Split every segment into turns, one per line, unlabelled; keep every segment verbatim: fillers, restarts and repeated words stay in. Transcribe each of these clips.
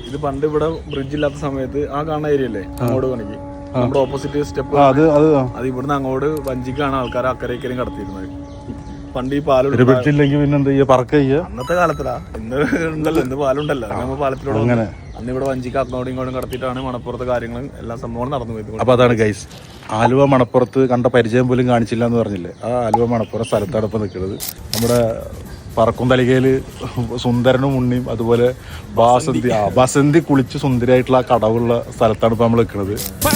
ഇത് പണ്ട് ഇവിടെ ബ്രിഡ്ജ് ഇല്ലാത്ത സമയത്ത് ആ കാണുന്ന ഏരിയ അല്ലേ അങ്ങോട്ട് കണക്കി നമ്മുടെ ഓപ്പോസിറ്റ് സ്റ്റെപ്പ്
അത് അത്
ഇവിടുന്ന് അങ്ങോട്ട് വഞ്ചിക്കാണ് ആൾക്കാർ അക്കരെ ഇക്കരയും കടത്തിയിരുന്നത്. പണ്ട് ഈ പാലം
ബ്രിഡ്ജില്ലെങ്കിൽ പിന്നെ എന്താ ചെയ്യുക, പറക്ക ചെയ്യുക.
അന്നത്തെ കാലത്തിലാ, ഇന്ന് ഉണ്ടല്ലോ, ഇന്ന് പാലുണ്ടല്ലോ, നമ്മൾ പാലത്തിലൂടെ അങ്ങനെ അന്ന് ഇവിടെ വഞ്ചിക്ക് അങ്ങോട്ടും ഇങ്ങോട്ടും കടത്തിയിട്ടാണ് മണപ്പുറത്തെ കാര്യങ്ങളും എല്ലാ സംഭവങ്ങളും നടന്നു പോയത്.
അപ്പൊ അതാണ് ഗൈസ്, ആലുവ മണപ്പുറത്ത് കണ്ട പരിചയം പോലും കാണിച്ചില്ല എന്ന് പറഞ്ഞില്ലേ, ആ ആലുവ മണപ്പുറം സ്ഥലത്താണ് ഇപ്പൊ നിൽക്കുന്നത്. നമ്മുടെ പറക്കും തലികയില് സുന്ദരനും ഉണ്ണിയും അതുപോലെ ബാസന്തി ആ ബസന്തി കുളിച്ച് സുന്ദരിയായിട്ടുള്ള ആ കടവുള്ള സ്ഥലത്താണ് ഇപ്പൊ നമ്മൾ നിൽക്കുന്നത്.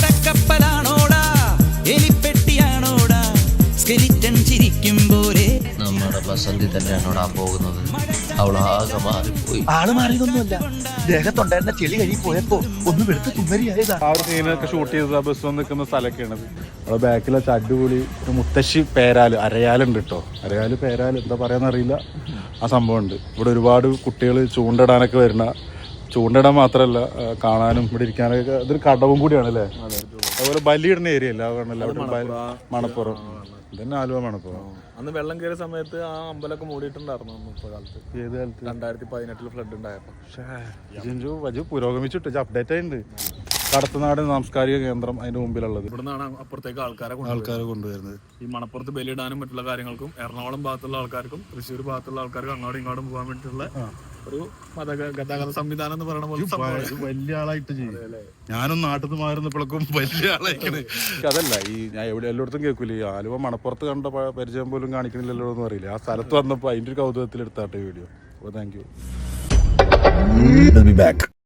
നമ്മുടെ ബസന്തി തന്നെയാണോടാ പോകുന്നത്. അവളാകെ മാറിപ്പോയി.
ആള് മാറിയതൊന്നുമല്ല, ദേഹത്തുണ്ടായിരുന്ന ചെളി കഴി പോയപ്പോ ഒന്ന് വെളുത്ത് തുമ്മരിയായതാ.
ആ ഒരു സീനൊക്കെ ഷൂട്ട് ചെയ്തത് ആ ബസ് വന്ന് നിൽക്കുന്ന സ്ഥലമൊക്കെയാണ്. അവിടെ ബാക്കിലെ അടിപൊളി ഒരു മുത്തശ്ശി പേരാല് അരയാലുണ്ട് കേട്ടോ. അരയാല് പേരാല് എന്താ പറയാന്നറിയില്ല, ആ സംഭവം ഉണ്ട്. ഇവിടെ ഒരുപാട് കുട്ടികൾ ചൂണ്ടിടാനൊക്കെ വരുന്ന, ചൂണ്ടിടാൻ മാത്രമല്ല കാണാനും ഇവിടെ ഇരിക്കാനൊക്കെ ഇതൊരു കടവും കൂടിയാണ് അല്ലേ. അതുപോലെ ബലിയിടുന്ന ഏരിയ അല്ല അവിടെ മണപ്പുറം ഇതന്നെ ആലുവ മണപ്പുറം.
അന്ന് വെള്ളം കയറിയ സമയത്ത് ആ അമ്പലമൊക്കെ മൂടിയിട്ടുണ്ടായിരുന്നു ഇപ്പൊ കാലത്ത്.
ഏത് കാലത്ത്?
രണ്ടായിരത്തി പതിനെട്ടില് ഫ്ലഡ് ഉണ്ടായപ്പോ.
പക്ഷേ പുരോഗമിച്ചിട്ട് അപ്ഡേറ്റ് ആയിട്ടുണ്ട്. കടത്തനാട് സാംസ്കാരിക കേന്ദ്രം അതിന്റെ മുമ്പിലുള്ളത്.
ഇവിടുന്നാണ് അപ്പുറത്തേക്ക് ആൾക്കാരെ
ആൾക്കാരെ കൊണ്ടുവരുന്നത്.
ഈ മണപ്പുറത്ത് ബലിയിടാനും മറ്റുള്ള കാര്യങ്ങൾക്കും എറണാകുളം ഭാഗത്തുള്ള ആൾക്കാർക്കും തൃശ്ശൂർ ഭാഗത്തുള്ള ആൾക്കാർക്കും അങ്ങോട്ടും ഇങ്ങോട്ടും പോകാൻ വേണ്ടിയിട്ടുള്ള ഒരു മത ഗതാഗത സംവിധാനം എന്ന് പറയുന്ന പോലെ
വലിയ ആളായിട്ട് ചെയ്യും. ഞാനൊന്നും നാട്ടിൽ നിന്ന് മാറുന്നപ്പോഴേക്കും വലിയ ആളായിക്കണ്. അതല്ല ഈ ഞാൻ എവിടെ എല്ലായിടത്തും കേൾക്കൂല, ഈ ആലുവ മണപ്പുറത്ത് കണ്ട പരിചയം പോലും കാണിക്കണില്ലല്ലോ എന്ന് അറിയില്ല. ആ സ്ഥലത്ത് വന്നപ്പോൾ അതിന്റെ ഒരു കൗതുകത്തിൽ എടുത്താട്ടെ വീഡിയോ. അപ്പോൾ താങ്ക് യു.